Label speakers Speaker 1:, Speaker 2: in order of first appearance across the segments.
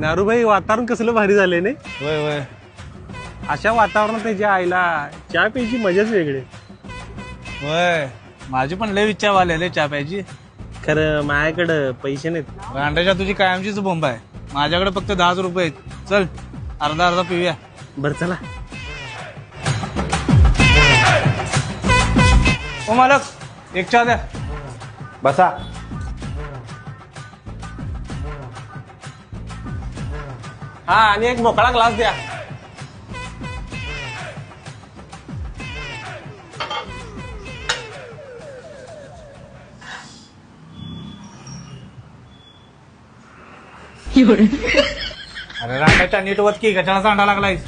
Speaker 1: नारूभाई वातावरण कसलं भारी झालंय नाही.
Speaker 2: वय वय
Speaker 1: अशा वातावरणात त्याच्या आईला चहा प्यायची मजाच वेगळी.
Speaker 2: वय माझी पण लय इच्छा वाले चहा प्यायची.
Speaker 1: खरं माझ्याकडं पैसे नाहीत.
Speaker 2: अंड्याच्या तुझी कायमचीच बोंब आहे. माझ्याकडे फक्त 10 रुपये आहेत. चल अर्धा अर्धा पिऊया.
Speaker 1: बरं चला.
Speaker 2: ओ मालक एक चहा द्या.
Speaker 3: बसा.
Speaker 1: हा आणि एक मोकळा ग्लास द्या.
Speaker 2: अरे रांडाच्या नीट वत की कशाला सांडा लागलायस.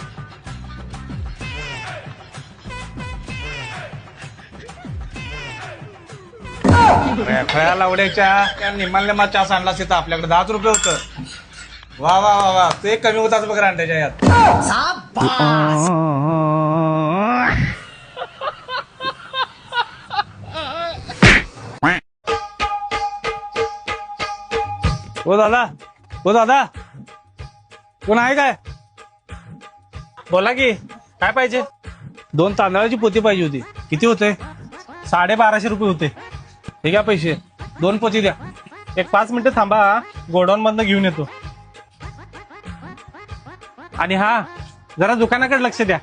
Speaker 2: खया लावड्याच्या त्या निम्माल्या चहा सांडला तिथं आपल्याकडे 10 रुपये होतं. वा वा वा वा ते कमी होताच बघ रांड्याच्या यात. हो दादा हो दादा कोण आहे काय.
Speaker 1: बोला की काय पाहिजे.
Speaker 2: 2 तांदळाची पोती पाहिजे होती. किती होते.
Speaker 1: 1250 रुपये होते.
Speaker 2: हे घ्या पैसे. 2 पोती द्या.
Speaker 1: एक 5 मिनिटं थांबा. गोडाऊन मधनं घेऊन येतो. आणि हा जरा दुकानाकडे लक्ष द्या.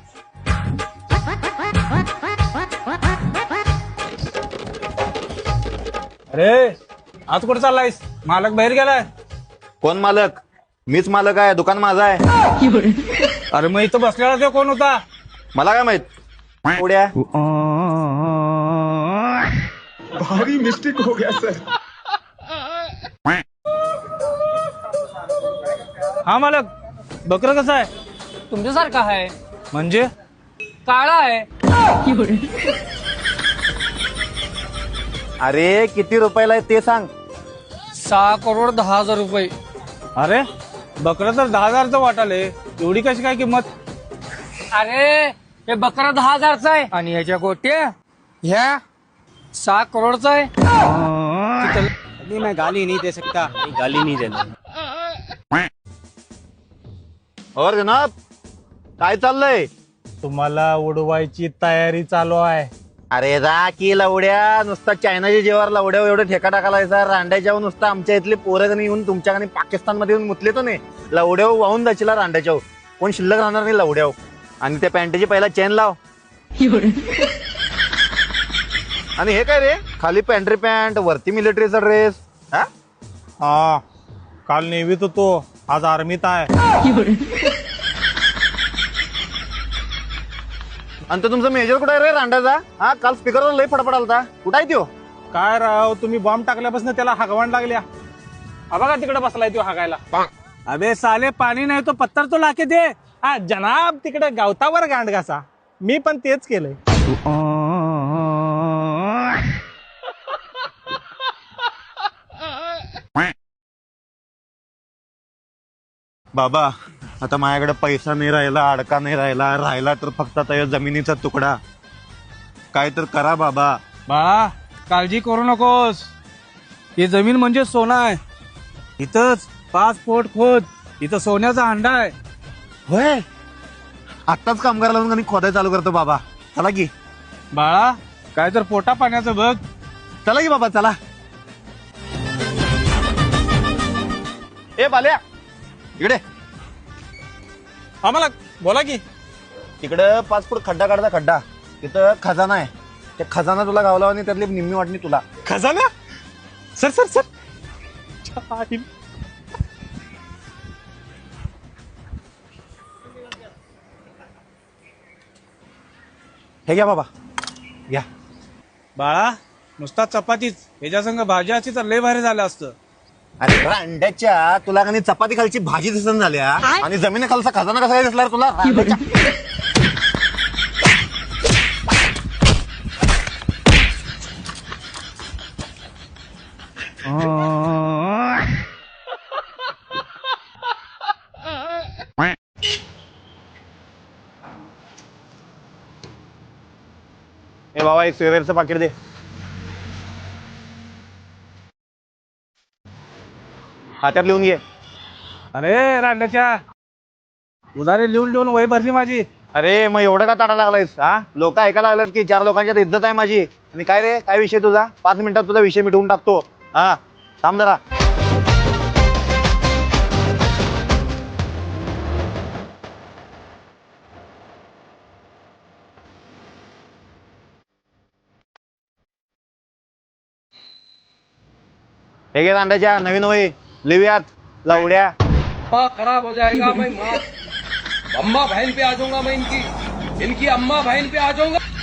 Speaker 2: अरे आज कुठे चाललायस. मालक बाहेर गेलाय.
Speaker 3: कोण मालक. मीच मालक आहे. दुकान माझं आहे.
Speaker 2: अरे मग इथं बसलेला तो कोण होता.
Speaker 3: मला काय माहित. उड्या
Speaker 4: भारी मिस्टेक हो गया सर.
Speaker 2: हा मालक बकर कसं आहे.
Speaker 5: तुमच्यासारखा आहे.
Speaker 2: म्हणजे
Speaker 5: काळा आहे.
Speaker 3: अरे किती रुपयाला आहे ते सांग.
Speaker 5: 6,10,000 रुपये.
Speaker 2: अरे बकरं तर 10,000चं वाटाले. एवढी कशी काय किंमत.
Speaker 5: अरे हे बकरा 10,000चं आहे आणि ह्याच्या गोट्या ह्या 6 करोडचा आहे.
Speaker 1: मैं गाली नहीं दे सकता. गाली नहीं देना.
Speaker 3: और जनाब काय चाललंय.
Speaker 1: तुम्हाला उडवायची तयारी चालू आहे.
Speaker 3: अरे जा की लवड्या. नुसता चायनाच्या जेवार लवड्या एवढे ठेका टाकायला रांड्याच्या नुसतं आमच्या इथले पोरं येऊन तुमच्या पाकिस्तान मध्ये येऊन मुतले तो नाही. लवड्या वाहून जायची रांड्याच्या. कोण शिल्लक राहणार नाही लवड्या. आणि त्या पॅन्टची पहिला चेन लाव. आणि हे काय रे खाली पॅन्ट्री पॅन्ट वरती मिलिटरीचा ड्रेस.
Speaker 1: हा काल नेव्हीत होतो. आज आर्मीत आहे.
Speaker 3: आणि तो तुमचा मेजर कुठे आहे रे रांड्याचा. हा काल स्पीकरवर लई फडफड आलता. कुठं आहे त्यो.
Speaker 1: काय राव तुम्ही बॉम्ब टाकल्यापासून त्याला हागवण लागल्या. हा बघा तिकडे बसलाय तो हागायला.
Speaker 2: अबे साले पाणी नाही तो पत्थर तो लाके दे.
Speaker 1: हा जनाब तिकडे गावतावर गांड घासा. मी पण तेच केलंय.
Speaker 3: बाबा आता माझ्याकडे पैसा नाही राहिला. अडका नाही राहिला तर फक्त आता या जमिनीचा तुकडा. काय तर करा बाबा.
Speaker 2: बाळा काळजी करू नकोस. ही जमीन म्हणजे सोनं आहे. इथंच 5 फूट खोद. इथं सोन्याचा अंडा आहे.
Speaker 3: होय आत्ताच कामगार लावून आणि खोदाय चालू करतो बाबा. चला की
Speaker 2: बाळा काय तर पोटा पाण्याचं बघ.
Speaker 3: चला की बाबा चला. ए बाल्या इकडे.
Speaker 1: आम्हाला बोला की.
Speaker 3: तिकडं 5 फूट खड्डा काढता. खड्डा तिथं खजाना आहे. त्या खजाना तुला गावला आणि त्यातली निम्मी वाटणी तुला.
Speaker 1: खजाना. Sir sir sir. छान.
Speaker 3: हे घ्या बाबा घ्या.
Speaker 2: बाळा नुसता चपातीच. ह्याच्या संग भाजी असती तर लय भारी झालं असतं.
Speaker 3: अरे अंड्याच्या तुला आणि चपाती खालची भाजी दिसन झाल्या आणि जमिनी खालचा खजाना कसा काय दिसला रे तुला. रांड्याच्या. ए बाबा एक सिगारेटचं पाकिट दे. हातात लिहून घे.
Speaker 2: अरे रांड्याच्या उधारी लिहून लिहून वय भरली माझी.
Speaker 3: अरे मग एवढं का ताडा लागलायस हा? लोक ऐकायला लागलेत की 4 लोकांच्यात इज्जत आहे माझी. आणि काय रे, काय विषय तुझा? 5 मिनिटात तुझा विषय मिटवून टाकतो. हा थांब जरा. हे घे रांड्याच्या नवीन वही लिहूयात लवड्या.
Speaker 5: माँ खराब हो जाएगा, मैं माँ अम्मा बहन पे आ जाऊंगा, मैं इनकी अम्मा बहन पे आ जाऊंगा.